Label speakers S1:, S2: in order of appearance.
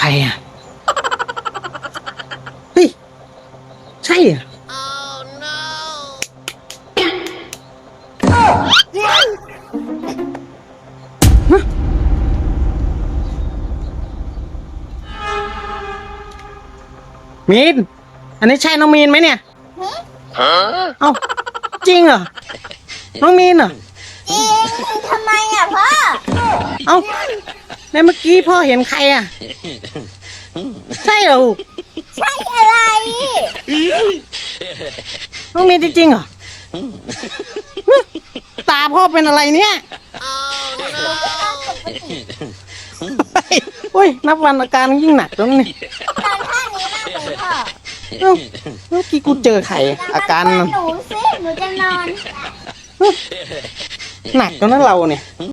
S1: รอ่ะเฮ้ยใช่อ่ะมีนอันนี้ใช่น้องมีนไหมเนี่ยเอ้าจริงเหรอน้องมีนเหรอ
S2: จริงทำไมอ่ะพ่อ
S1: เอ้าในเมื่อกี้พ่อเห็นใครอ่ะใช่เหรอ
S2: ใช่อะไร
S1: น้องมีนจริงๆเหรอตาพ่อเป็นอะไรเนี่ยโอ้ยนับวันอาการยิ่งหนักแล้วนี่
S2: ตอนท่านี้มากเลยพ่อ
S1: เมื่อกี้กูเจอไข่อาการ
S2: หนูสิหนูจะนอน
S1: หนักแล้วนะเราเนี่ย